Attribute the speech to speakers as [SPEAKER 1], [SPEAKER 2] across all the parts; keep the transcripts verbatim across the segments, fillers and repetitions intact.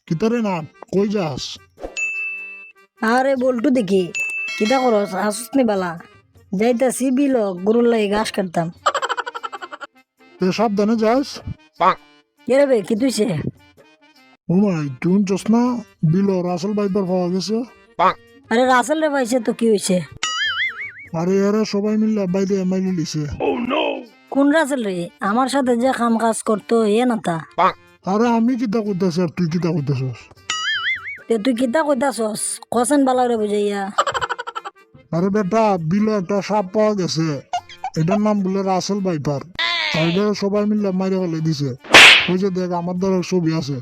[SPEAKER 1] কিতারে না কই যাস?
[SPEAKER 2] আরে বল্টু দেখি কিতা করস আসুস নি বালা যাইতাছি বিল গরুর লাগে ঘাস কাটতাম।
[SPEAKER 1] তে সাবধানে যাস।
[SPEAKER 2] কেরে বে কি তুইছে?
[SPEAKER 1] উমাই তুই চস না বিল রাসেল বাইপার পাওয়া গেছে।
[SPEAKER 2] আরে রাসেল রে পাইছে তো কি হয়েছে?
[SPEAKER 1] আরে এরা সবাই মিলে বাইরে মাইলে লিছে।
[SPEAKER 2] কোন রাসেল রে? আমার সাথে যে কাম কাজ করতো এ না তা?
[SPEAKER 1] আরে আমি কিতা করতেছি আর তুই কিতা করতেছস?
[SPEAKER 2] তে তুই কিতা কইতাছস কসেন বালা রে বুঝাইয়া?
[SPEAKER 1] আরে বেটা বিলে একটা সাপ পাওয়া গেছে, এটার নাম বলে রাসেল বাইপার। আর এটা সবাই মিলে মাইরে ফেলে দিছে। ওই যে দেখ আমার দ্বারা ছবি আছে,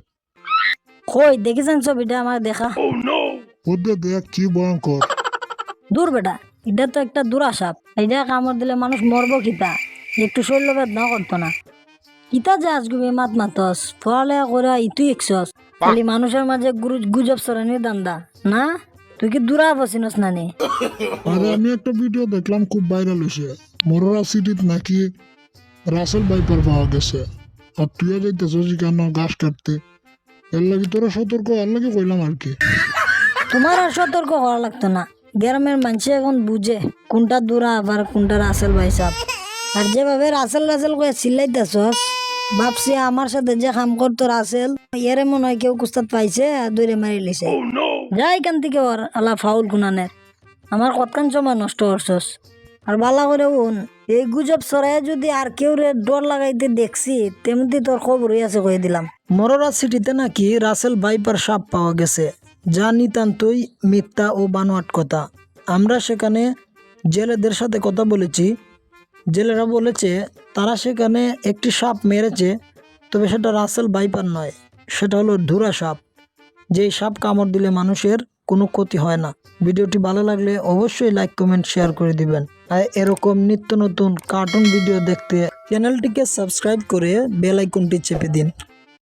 [SPEAKER 2] কই দেখিছেন ছবিটা আমার দেখা?
[SPEAKER 1] ওদের দেখ কি ভয়ঙ্কর।
[SPEAKER 2] দূর বেটা, এটা তো একটা দুরা সাপ, এটা কামড় দিলে মানুষ মরবো কিতা? একটু শরীর বেদনা করতো না? কিতা যে আজগুবি মাত মাতস পড়ালেখা করে ইতুই একছস খালি মানুষের মাঝে গুরু গুজব সরানির দান্দা না? তুই কি দূরা বসিনস না নি?
[SPEAKER 1] আরে আমি একটা ভিডিও দেখলাম খুব ভাইরাল হয়েছে, মরোরা সিটিত নাকি রাসেল বাইপার পাওয়া গেছে। আর তুইও যাইতেছস কেন ঘাস কাটতে? এর লাগে তোরা সতর্ক আর লাগে কইলাম আর কি।
[SPEAKER 2] তোমার আর সতর্ক করা লাগতো না, গ্রামের মানুষ এখন বুঝে কোনটা দূরা আবার কোনটা রাসেল ভাই সাপ। আর যেভাবে রাসেল রাসেল করে চিল্লাইতেছস ভাবছি আমার সাথে যে কাম করতো রাসেল এরে মনে হয় কেউ কুস্তাদ পাইছে আর দূরে মারি লিছে। যাই কান থেকে ওর আলা ফাউল গুনানের আমার কতখান সময় নষ্ট করছস। আর বালা করে উন এই গুজব ছড়াই যদি আর কেউ রে ডর লাগাইতে দেখছি তেমনি তোর খবরই আছে কয়ে দিলাম।
[SPEAKER 3] মরোরা সিটিতে নাকি রাসেল ভাইপার সাপ পাওয়া গেছে, যা নিতান্তই মিথ্যা ও বানোয়াট কথা। আমরা সেখানে জেলেদের সাথে কথা বলেছি, জেলেরা বলেছে তারা সেখানে একটি সাপ মেরেছে, তবে সেটা রাসেল ভাইপার নয়, সেটা হলো ধুরা সাপ, যেই সাপ কামড় দিলে মানুষের কোনো ক্ষতি হয় না। ভিডিওটি ভালো লাগলে অবশ্যই লাইক কমেন্ট শেয়ার করে দিবেন। আর এরকম নিত্য নতুন কার্টুন ভিডিও দেখতে চ্যানেলটিকে সাবস্ক্রাইব করে বেল আইকনটি চেপে দিন।